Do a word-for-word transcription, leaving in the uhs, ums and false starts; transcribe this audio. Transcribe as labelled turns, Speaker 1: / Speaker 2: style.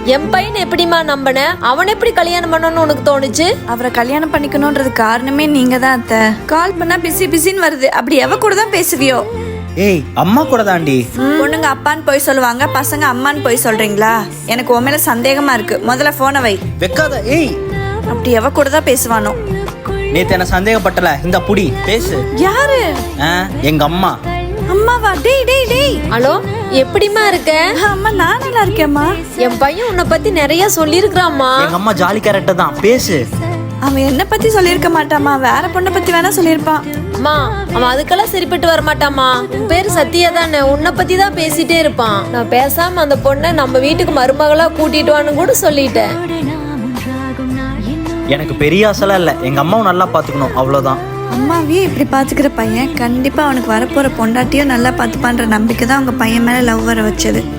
Speaker 1: என் பையன் எப்படிமா நம்பின? அவன் எப்படி கல்யாணம் பண்ணணும்னு உனக்கு தோணுச்சு?
Speaker 2: அவரை கல்யாணம் பண்ணிக்கணும்ன்றது காரணமே நீங்க தான் அத்தை. கால் பண்ணா பிஸி பிஸின்னு வருது. அப்படி எவ கூட தான் பேசுவியோ?
Speaker 3: ஏய் அம்மா கூட தாண்டி.
Speaker 2: பொண்ணுங்க அப்பான்னு போய் சொல்லுவாங்க, பசங்க அம்மான்னு போய் சொல்றீங்களா? எனக்கு உன் மேல சந்தேகமா இருக்கு. முதல்ல போனை வை.
Speaker 3: வெக்காத. ஏய்
Speaker 2: அப்படி எவ கூட தான் பேசுவானோ?
Speaker 3: நேத்து என்ன சந்தேகப்பட்டல, இந்த புடி பேசு.
Speaker 2: யாரு?
Speaker 3: எங்க அம்மா.
Speaker 2: அம்மாவா? டேய் டேய் டேய்.
Speaker 1: ஹலோ, எப்படிமா இருக்க?
Speaker 2: அம்மா நான் நல்லா இருக்கேம்மா.
Speaker 1: என் பையன் உன்னை பத்தி நிறைய சொல்லியிருக்கிறாம்மா.
Speaker 3: எங்க அம்மா ஜாலி கேரக்டர் தான், பேசு.
Speaker 2: அவன் என்ன பத்தி சொல்லியிருக்க மாட்டாமா, வேற பொண்ணை பத்தி வேணா சொல்லியிருப்பான்.
Speaker 1: அம்மா, அவன் அதுக்கெல்லாம் சரிப்பட்டு வரமாட்டாமா. உன் பேரு சத்யா தானே, உன்னை பத்தி தான் பேசிட்டே இருப்பான். நான் பேசாம அந்த பொண்ணை நம்ம வீட்டுக்கு மருமகளா கூட்டிட்டு வான்னு கூட சொல்லிட்டேன்.
Speaker 3: எனக்கு பெரிய ஆசைலாம் இல்ல, எங்க அம்மாவும் நல்லா பாத்துக்கணும், அவ்வளவுதான்.
Speaker 2: அம்மாவே இப்படி பாத்துக்கிற பையன் கண்டிப்பா அவனுக்கு வரப்போற பொண்டாட்டியும் நல்லா பாத்துப்பான்ற நம்பிக்கை தான் உங்க பையன் மேல லவ் வர வச்சது.